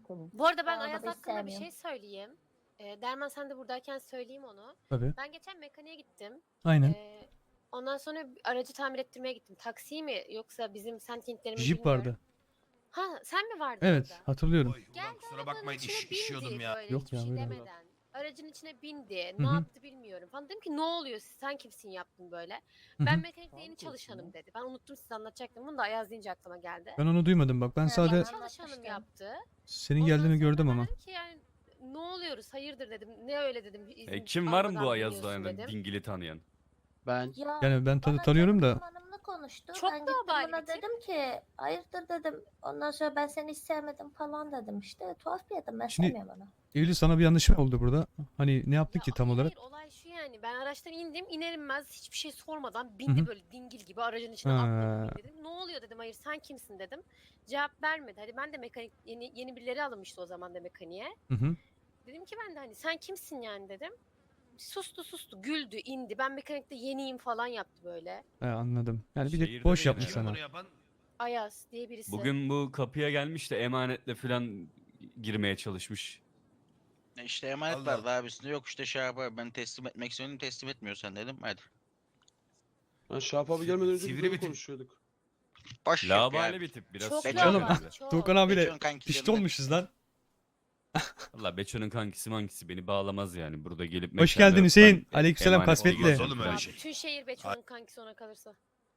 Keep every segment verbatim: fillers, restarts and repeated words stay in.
Mümkün. Bu arada ben Arabada Ayaz hiç hakkında bir sevmiyorum. şey söyleyeyim. Ee, Derman sen de buradayken söyleyeyim onu. Tabii. Ben geçen mekaniğe gittim. Aynen. Ee, ondan sonra aracı tamir ettirmeye gittim. Taksi mi yoksa bizim sentintlerimiz Jeep bilmiyorum. vardı. Ha sen mi vardın Evet, orada? hatırlıyorum. Oy, ulan Geldi kusura arabanın bakmayın içine iş, bindi işiyordum ya. böyle Yok hiçbir ya, şey buyurun. demeden. Aracın içine bindi. Hı Ne hı. yaptı bilmiyorum. Falan dedim ki ne oluyor sen kimsin yaptın böyle. Hı Ben hı. mekanikte yeni çalışanım dedi. Ben unuttum size anlatacaktım. Bunu da Ayaz deyince aklıma geldi. Ben onu duymadım bak. Ben Evet, sadece Yeni bana çalışanım anlatmıştın. yaptı. senin Ondan geldiğini sonra gördüm ben ama. dedim ki yani ne oluyoruz hayırdır dedim. Ne öyle dedim. izin E, kim var mı bu almadan Ayaz'da biniyorsun yani dedim. dingili tanıyan? Ben Ya Yani ben tadı bana tanıyorum da. Cem Hanım'la konuştu. Çok ben da gittim obali buna bir tip. dedim ki hayırdır dedim. Ondan sonra ben seni hiç sevmedim falan dedim işte. Tuhaf bir adam ben Şimdi- sevmiyorum onu. Eylül sana bir yanlış mı oldu burada? Hani ne yaptı Ya ki tam hayır, olarak? hayır olay şu yani ben araçtan indim iner inmez hiçbir şey sormadan bindi Hı hı. böyle dingil gibi aracın içine Ha. atladı dedim. Ne oluyor dedim hayır sen kimsin dedim. Cevap vermedi. Hadi ben de mekanik yeni, yeni birileri alınmıştı o zaman da mekaniğe. Hı hı. Dedim ki ben de hani sen kimsin yani dedim. Sustu sustu güldü indi ben mekanikte yeniyim falan yaptı böyle. He, anladım. Yani bir de Şehirde boş değil yapmış ya. sana. Bunu yapan Ayaz diye birisi. Bugün bu kapıya gelmiş de emanetle falan girmeye çalışmış. E işte emanet Allah vardı abisinde yok işte şey yapar ben teslim etmek istiyorum teslim etmiyorsan dedim hadi. Ben Şahap abi gelmeden önce Sivri bir böyle bir tip. konuşuyorduk. Boş yapıyor Labale abi. bir tip biraz. Çok şey Beço- yapıyor laval, böyle. çok. Doğukan abiyle Beço'nun kankisi pişti yanında. olmuşuz lan. Valla Beço'nun kankisi mankisi beni bağlamaz yani. Burada gelip Hoş mekanda geldin yok, Hüseyin. ben Aleykümselam emanet kasvetli. olmaz Oğlum öyle Ya şey. bütün şehir Beço'nun kankisi ona kalırsa.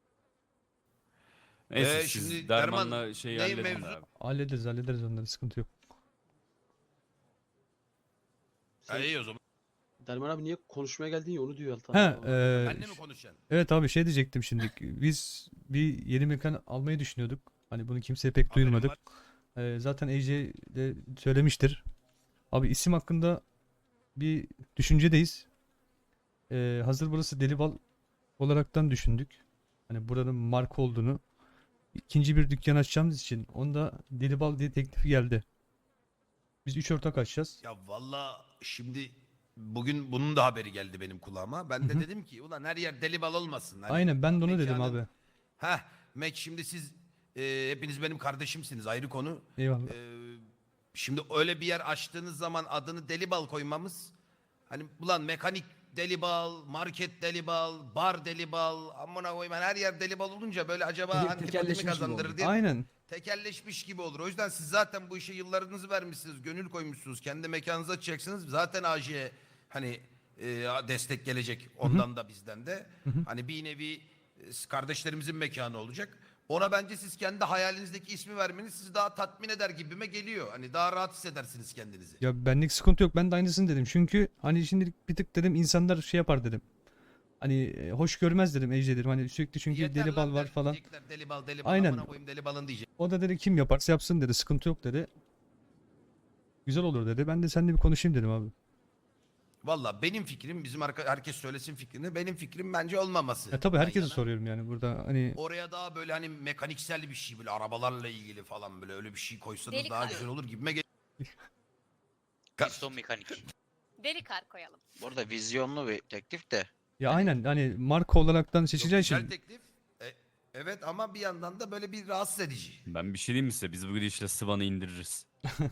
Neyse Ee, siz şimdi Derman'la Derman, şeyi neyin halledin mevzu? abi. Hallederiz hallederiz onları, sıkıntı yok. Ha, iyi o zaman. Derman abi niye konuşmaya geldin ya onu diyor Altan. He, abi. e, Benle mi konuşacaksın? evet abi şey diyecektim şimdi. Biz bir yeni mekan almayı düşünüyorduk. Hani bunu kimseye pek Haberim duyurmadık. var. E, zaten A J de söylemiştir. Abi isim hakkında bir düşüncedeyiz. E, hazır burası Delibal olaraktan düşündük. Hani buranın marka olduğunu. İkinci bir dükkan açacağımız için onda Delibal diye teklifi geldi. Biz üç ortak açacağız. Ya valla şimdi bugün bunun da haberi geldi benim kulağıma. Ben de Hı hı. dedim ki ulan her yer deli bal olmasın. Hani Aynen ben de onu dedim mekanın- abi. Heh, Mek şimdi siz e, hepiniz benim kardeşimsiniz ayrı konu. Eyvallah. E, şimdi öyle bir yer açtığınız zaman adını deli bal koymamız hani ulan mekanik deli bal, market deli bal, bar deli bal, amına koyayım hani her yer deli bal olunca böyle acaba Teke- antipatimi tekelleşmiş gibi kazandırır oldu. diye Aynen. tekelleşmiş gibi olur. O yüzden siz zaten bu işe yıllarınızı vermişsiniz, gönül koymuşsunuz, kendi mekanınızı açacaksınız. Zaten A J'ye hani e, destek gelecek ondan da bizden de. Hı hı. Hani bir nevi e, kardeşlerimizin mekanı olacak. Ona bence siz kendi hayalinizdeki ismi vermeniz sizi daha tatmin eder gibime geliyor. Hani daha rahat hissedersiniz kendinizi. Ya benlik sıkıntı yok. Ben de aynısını dedim. Çünkü hani şimdilik bir tık dedim insanlar şey yapar dedim. Hani e, hoş görmez dedim Ece dedim. Hani sürekli çünkü Yeter deli lan bal var der, falan. diyecekler, deli bal, deli bal, Aynen. amına koyayım deli balın diyecek. O da dedi kim yaparsa yapsın dedi. Sıkıntı yok dedi. Güzel olur dedi. Ben de seninle bir konuşayım dedim abi. Valla benim fikrim, bizim arka, herkes söylesin fikrini. Benim fikrim bence olmaması. Ya tabii Ben herkese yana. soruyorum yani burada hani Oraya daha böyle hani mekaniksel bir şey böyle arabalarla ilgili falan böyle öyle bir şey koysanız Deli daha kar. güzel olur gibime geliyor. Piston mekanik. Deli kar koyalım. Burada vizyonlu bir teklif de. ya aynen hani marka olaraktan Çok seçeceği güzel için teklif. E, evet ama bir yandan da böyle bir rahatsız edici. Ben bir şey diyeyim mi size? Biz bu gidişle Sıvan'ı indiririz.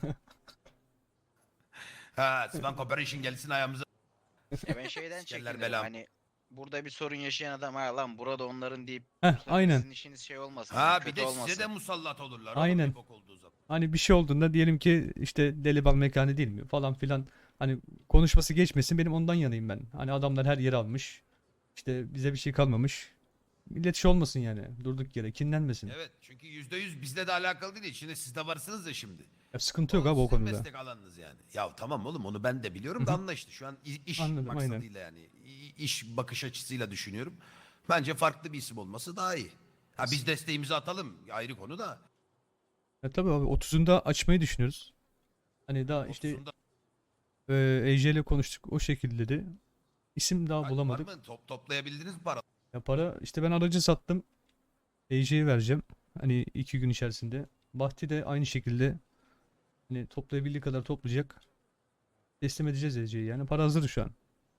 Ha, Swan Corporation gelsin ayağımıza. E ben şeyden Sikerler çekindim belam. hani burada bir sorun yaşayan adam ha lan burada onların deyip Heh, bu sefer aynen. sizin işiniz şey olmasın. Ha bir kötü de olmasın. size de musallat olurlar. Aynen. Oğlum, bir bok olduğu zaman. hani bir şey olduğunda diyelim ki işte deli bal mekanı değil mi falan filan hani konuşması geçmesin, benim ondan yanayım ben. Hani adamlar her yeri almış. İşte bize bir şey kalmamış. Millet şey olmasın yani. Durduk yere kinlenmesin. Evet çünkü yüzde yüz bizle de alakalı değil. Şimdi siz de varsınız ya şimdi. Ya sıkıntı yok abi o sizin konuda. meslek alanınız yani. Ya tamam oğlum onu ben de biliyorum da Hı hı. anla işte. Şu an i- iş Anladım, aynen. maksadıyla yani. i- iş bakış açısıyla düşünüyorum. Bence farklı bir isim olması daha iyi. Ha biz desteğimizi atalım. Ayrı konu da. Ya tabii abi otuzunda açmayı düşünüyoruz. Hani daha işte otuzunda e, E J ile konuştuk o şekilde de. İsim daha var bulamadık. mı? Top, toplayabildiniz mi para? Ya para işte ben aracı sattım. E J'ye vereceğim. Hani iki gün içerisinde. Bahti de aynı şekilde hani toplayabildiği kadar toplayacak. Teslim edeceğiz E C'yi. Yani para hazır şu an.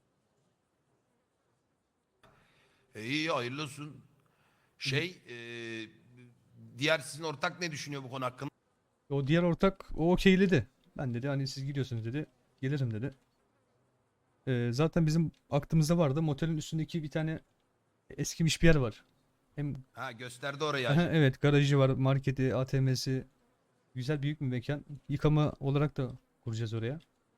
E, iyi hayırlı olsun. Şey e, diğer sizin ortak ne düşünüyor bu konu hakkında? O diğer ortak o okeyledi. Ben dedi hani siz gidiyorsunuz dedi. Gelirim dedi. Ee, zaten bizim aklımızda vardı. Motelin üstündeki bir tane eskimiş bir yer var. Hem Ha gösterdi orayı Aha, Hacı. evet, garajı var, marketi, A T M'si. Güzel büyük bir mekan. Yıkama olarak da kuracağız oraya.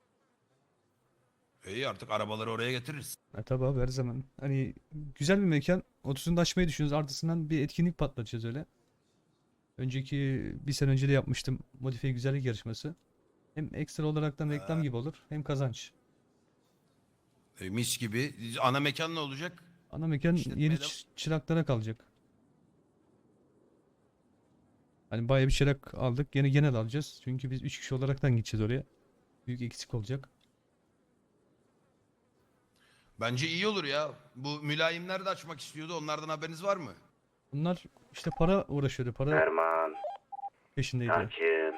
İyi artık arabaları oraya getiririz. Ha, tabii abi her zaman. Hani güzel bir mekan. otuzunu da açmayı düşünüyoruz. Artısından bir etkinlik patlatacağız öyle. Önceki bir sene önce de yapmıştım. Modifiye güzellik yarışması. Hem ekstra olaraktan reklam Ha. gibi olur hem kazanç. E, mis gibi. Ana mekan ne olacak? Ana mekan İşletmeye yeni de- çı- çıraklara kalacak. Hani bayağı bir çırak aldık. Yine genel alacağız. Çünkü biz üç kişi olaraktan gideceğiz oraya. Büyük eksik olacak. Bence iyi olur ya. Bu mülayimler de açmak istiyordu. Onlardan haberiniz var mı? Bunlar işte para uğraşıyordu. Para Erman, peşindeydi. Hakim.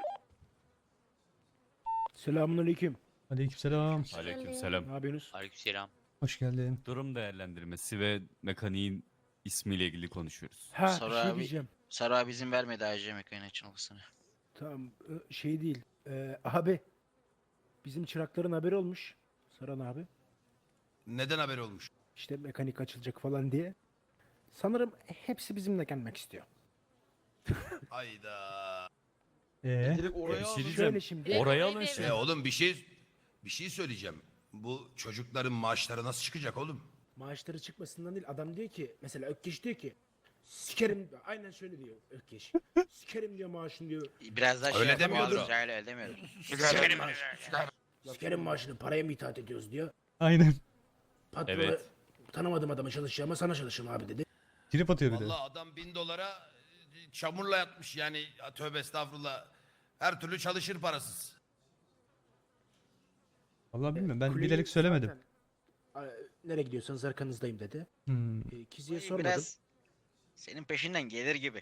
Selamünaleyküm. Aleykümselam. Aleykümselam. Ne yapıyorsunuz? Aleykümselam. Hoş geldin. Durum değerlendirmesi ve mekaniğin ismiyle ilgili konuşuyoruz. Ha, Sonra bir şey abi- diyeceğim. Sarı abi izin vermedi A C mekaniğin açılmasına. Tamam, ö, şey değil. Ee, abi, bizim çırakların haberi olmuş. Saran abi. Neden haber olmuş? İşte mekanik açılacak falan diye. Sanırım hepsi bizimle gelmek istiyor. Hayda. Ee, Direkt oraya bir şey alın. diyeceğim. Şöyle şimdi. Evet, Oraya orayı alın da şey. E oğlum bir şey bir şey söyleyeceğim. Bu çocukların maaşları nasıl çıkacak oğlum? Maaşları çıkmasından değil. Adam diyor ki, mesela Ökkeş diyor ki, sikerim, aynen şöyle diyor Ökkeş. Sikerim diyor maaşını diyor. Biraz daha şey Öyle yapamıyoruz. demiyordur. Öyle öyle demiyordur. Sikerim maaşını. Sikerim maaşını, paraya mı itaat ediyoruz diyor. aynen. Patrona Evet. tanımadığım adama çalışacağıma sana çalışırım abi dedi. Trip atıyor bir de. Vallahi adam bin dolara e, çamurla yatmış yani. Ya tövbe estağfurullah. Her türlü çalışır parasız. Vallahi bilmiyorum. Ben Kuleyi bilerek söylemedim. zaten, "Aa, nereye gidiyorsanız arkanızdayım" dedi. Hmm. E, Kizi'ye Böyle sormadım. Biraz senin peşinden gelir gibi.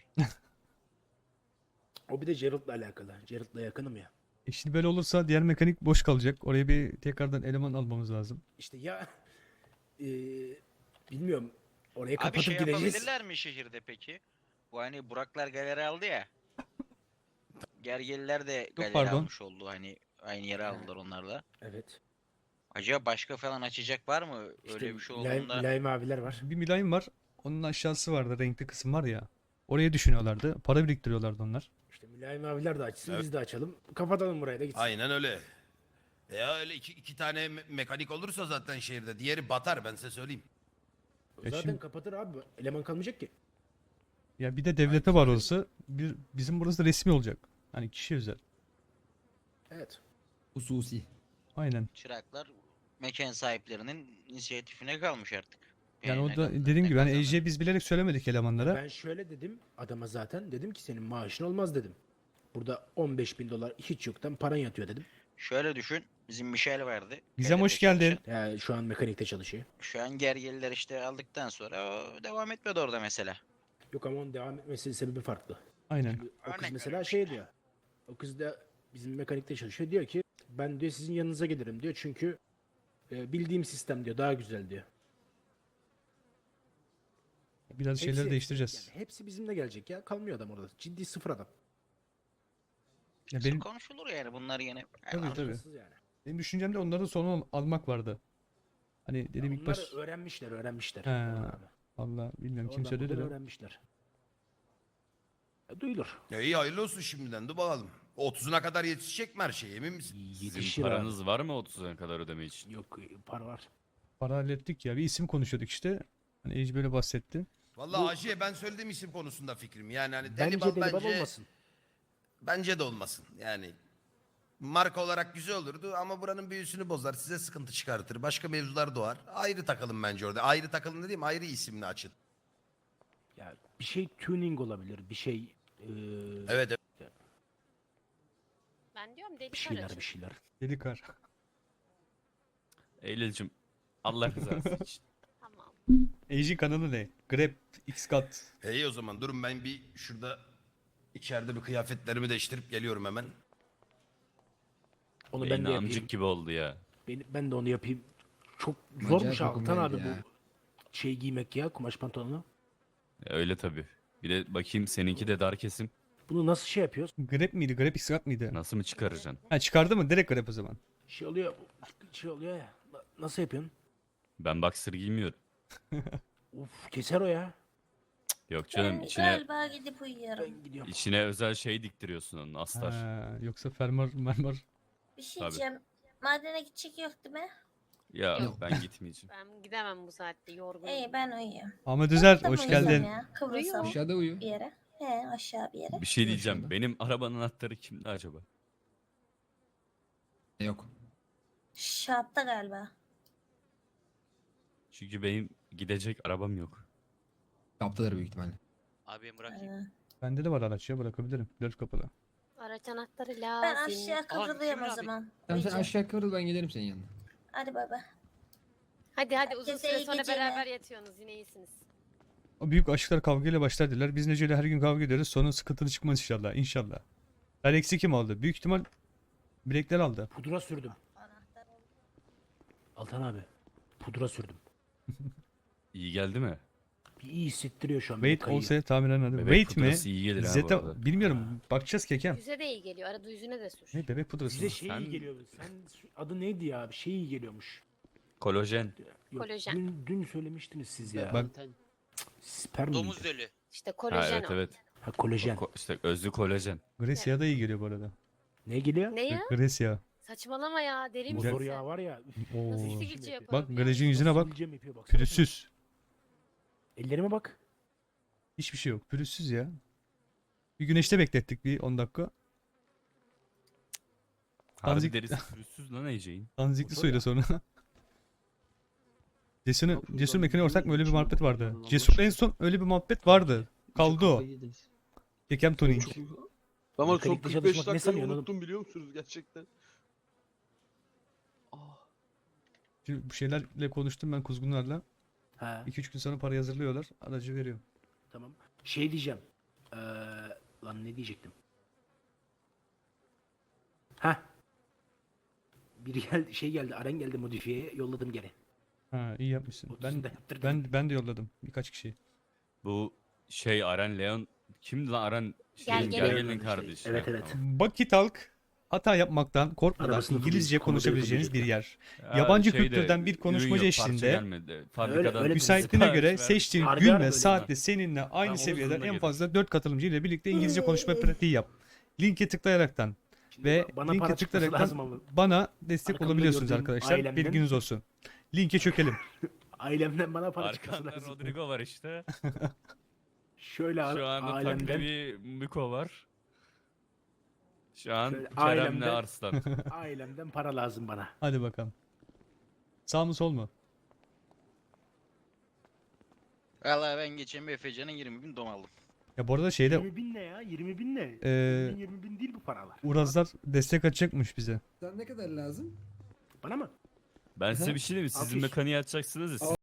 O bir de Gerald'la alakalı. Gerald'la yakınım ya. E şimdi böyle olursa diğer mekanik boş kalacak. Oraya bir tekrardan eleman almamız lazım. İşte ya e, bilmiyorum. Oraya Abi kapatıp şey gideceğiz. yapabilirler mi şehirde peki? Bu hani Buraklar galeri aldı ya. Gergeliler de galeri pardon. almış oldu. Hani aynı yere aldılar onlar da. Evet. Acaba başka falan açacak var mı? İşte Öyle bir şey mülayim, olduğunda. mülayim abiler var. Bir mülayim var. Onun aşağısı vardı. Renkli kısım var ya. Oraya düşünüyorlardı. Para biriktiriyorlardı onlar. İşte mülayim abiler de açsın, Evet. biz de açalım. Kapatalım buraya da gitsin. Aynen öyle. Ya öyle iki, iki tane me- mekanik olursa zaten şehirde. Diğeri batar ben size söyleyeyim. Ya Zaten şimdi- kapatır abi. Eleman kalmayacak ki. Ya bir de devlete var olsa bir, bizim burası da resmi olacak. Hani kişi özel. Evet. Hususi. Aynen. Çıraklar mekan sahiplerinin inisiyatifine kalmış artık. Yani Yani o da ne- dediğim ne gibi hani kazanır? E J'ye biz bilerek söylemedik elemanlara. Ben şöyle dedim adama zaten. Dedim ki senin maaşın olmaz dedim. Burada on beş bin dolar hiç yoktan paran yatıyor dedim. Şöyle düşün. Bizim Michel vardı. Gizem hoş galeride geldin. çalışan. Yani şu an mekanikte çalışıyor. Şu an gergeliler işte aldıktan sonra o devam etmedi orada mesela. Yok ama onun devam etmesinin sebebi farklı. Aynen. O kız Örnek mesela veriyorum şey işte. diyor. O kız da bizim mekanikte çalışıyor. Diyor ki ben diyor sizin yanınıza gelirim diyor. Çünkü e, bildiğim sistem diyor daha güzel diyor. Biraz şeyleri Hepsi- değiştireceğiz. Yani hepsi bizimle gelecek ya. Kalmıyor adam orada. Ciddi sıfır adam. Ya Benim... benim Konuşulur yani bunlar yine. Tabii, Aynen. tabii. Alakasız yani. benim düşüncemde onların sonu al- almak vardı. Hani dedim Ya ilk onlar baş öğrenmişler öğrenmişler. He, Abi. Allah bilmiyorum kim Oradan söyledi buradan de. öğrenmişler. Ya, duyulur. Ya iyi hayırlı olsun şimdiden. Dur bakalım. otuzuna kadar yetişecek mi her şey emin misin? Sizin Yetişir abi. paranız var mı otuzuna kadar ödeme için? Yok e, para var. Para hallettik ya. Bir isim konuşuyorduk işte. Hani Ece böyle bahsetti. Vallahi Hacı'ya ben söylediğim isim konusunda fikrim. Yani hani Bence Delibal deli bal bence, olmasın. bence de olmasın. Yani marka olarak güzel olurdu ama buranın büyüsünü bozar. Size sıkıntı çıkartır. Başka mevzular doğar. Ayrı takılın bence orada. Ayrı takılın dediğim ayrı isimli açın. Ya bir şey tuning olabilir. Bir şey e, Evet evet. Ben diyorum deli bir şeyler paracı. bir şeyler. Deli kar. Eylül'cüm Allah rızası için. Tamam. Ece kanalı ne? Grab X-Cut. İyi o zaman durun ben bir şurada içeride bir kıyafetlerimi değiştirip geliyorum hemen. Onu ben Beyni de yapayım. amcık gibi oldu ya. Ben, ben de onu yapayım. Çok Acayip zormuş uykum Altan abi geldi ya. bu şey giymek ya kumaş pantolonu. Öyle tabii. Bir de bakayım seninki de dar kesim. Bunu nasıl şey yapıyoruz? Grab miydi? Grab X-Rat mıydı? Nasıl mı çıkaracaksın? Ha çıkardı mı? Direkt Grab o zaman. Şey oluyor. Şey oluyor ya. Na- Nasıl yapıyorsun? Ben boxer giymiyorum. Uf keser o ya. Yok canım Ben içine galiba gidip uyuyorum. Ben gidiyorum. içine özel şey diktiriyorsun onun astar. Ha, yoksa fermuar mermer. Bir şey Tabii. diyeceğim. Madene gidecek yok değil mi? Ya Yok. ben gitmeyeceğim. Ben gidemem bu saatte yorgunum. İyi ben uyuyayım. Ahmet Özer Yattım hoş uyuyacağım geldin. Ya. Kıvrılsam Aşağıda uyu. bir yere. He aşağı bir yere. Bir şey diyeceğim. Benim arabanın anahtarı kimde acaba? Yok. Şapta galiba. Çünkü benim gidecek arabam yok. Kaptadır büyük ihtimalle. Abi bırak. Ee, Bende de var araç ya bırakabilirim. Dört kapılı. Araç anahtarı lazım. Ben aşağı kıvrılıyorum o abi. zaman. Tamam sen Uyuyacağım. aşağı kıvrıl ben gelirim senin yanına. Hadi baba. Hadi hadi uzun Herkese süre iyi sonra geceler. beraber yatıyorsunuz yine iyisiniz. O büyük aşklar kavgayla başlar dediler. Biz Nece'yle her gün kavga ediyoruz. Sonra sıkıntılı çıkmaz inşallah. İnşallah. Alex'i kim aldı? Büyük ihtimal bilekler aldı. Pudra sürdüm. Anahtar oldu. Altan abi. Pudra sürdüm. İyi geldi mi? Bir iyi hissettiriyor şu an. Wait kayıyı. olsa tahminen adı. Bebek Wait mi? pudrası iyi gelir ha bu Zeta arada. bilmiyorum. Bakacağız kekem. Yüze de iyi geliyor. Arada yüzüne de sür. Ne bebek pudrası Size mı? şey Sen- iyi geliyor. Sen adı neydi ya? Bir şey iyi geliyormuş. Kolajen. Yok, Kolajen. Dün, dün söylemiştiniz siz ya. Bak Sperm Domuz miydi? dölü. İşte Ha, kolajen evet o. evet. Ha kolajen. Ko- işte özlü kolajen. Grecia da iyi geliyor bu arada. Ne geliyor? Ne ya? Grecia. Saçmalama ya. Deli misin Motor sen? yağı var ya. üf, Oo. Nasıl nasıl sivilce yapıyor? yaparım Bak ya? Grec'in yüzüne bak. Sivilcem yapıyor, baksana. Pürüzsüz. Ellerime bak. Hiçbir şey yok. Pürüzsüz ya. Bir güneşte beklettik bir on dakika. Harbi Tanzik- derisi pürüzsüz lan Ece'in. Tanzikli Motor suyla ya. sonra. Cesur'un Yapıyorlar, Cesur Mekaniğe ortak mı öyle bir içine muhabbet vardı. bakıyorlar, Allah Cesur'la en aşkına. son öyle bir muhabbet vardı. Kaldı o. Kekem Tuning. Ben var son Mekanikte kırk beş çalışmak ne dakikayı sanıyorsun oğlum? unuttum biliyor musunuz gerçekten? Ah. Şimdi bu şeylerle konuştum ben kuzgunlarla. Ha iki üç gün sonra para hazırlıyorlar. Aracı veriyorum. tamam. Şey diyeceğim. Ee, lan ne diyecektim? Ha. Biri geldi, şey geldi, Aren geldi modifiyeye, yolladım geri. Ha iyi yapmışsın. Ben Otuzunda yaptırdım. ben ben de yolladım birkaç kişi. Bu şey Aren Leon kimdi lan Aren Gel şeyin gelin. Gergel'in kardeşi. Evet, evet. Tamam. Baki Talk hata yapmaktan korkmadan Arabasını İngilizce fırlayıp konuşabileceğiniz konuda bir yer. Ha, Yabancı şeyde, kültürden bir ürün konuşmacı yok, parça eşliğinde gelmedi. Fabrikadan öyle müsaitliğine sipariş göre ver. seçtiğin Harbi gün harbi ve öyle. saatte seninle aynı onun seviyeden sonuna en gelir. fazla dört katılımcı ile birlikte İngilizce konuşma pratiği yap. Linke tıklayaraktan Şimdi ve bana linke para çıkması lazım tıklayaraktan ama. bana destek Arkamda olabiliyorsunuz gördüğüm arkadaşlar. ailemden- Bilginiz olsun. Linke çökelim. Ailemden bana para çıkması Arkanda lazım. Rodrigo var işte. Şöyle Şu a- anda ailemden, takribi Miko var. Şu an Şöyle Kerem'le ailemden- Arslan. ailemden para lazım bana. Hadi bakalım. Sağ mı sol mu? Valla ben geçen bir Efecan'ın yirmi bin dom aldım. Ya bu arada şeyde yirmi bin ne ya? yirmi bin ne? Ee, yirmi bin, yirmi bin değil bu paralar. Urazlar destek atacakmış bize. Sen ne kadar lazım? Bana mı? Ben size bir şey diyeyim mi? Sizin Altı yüz. mekaniği açacaksınız ya.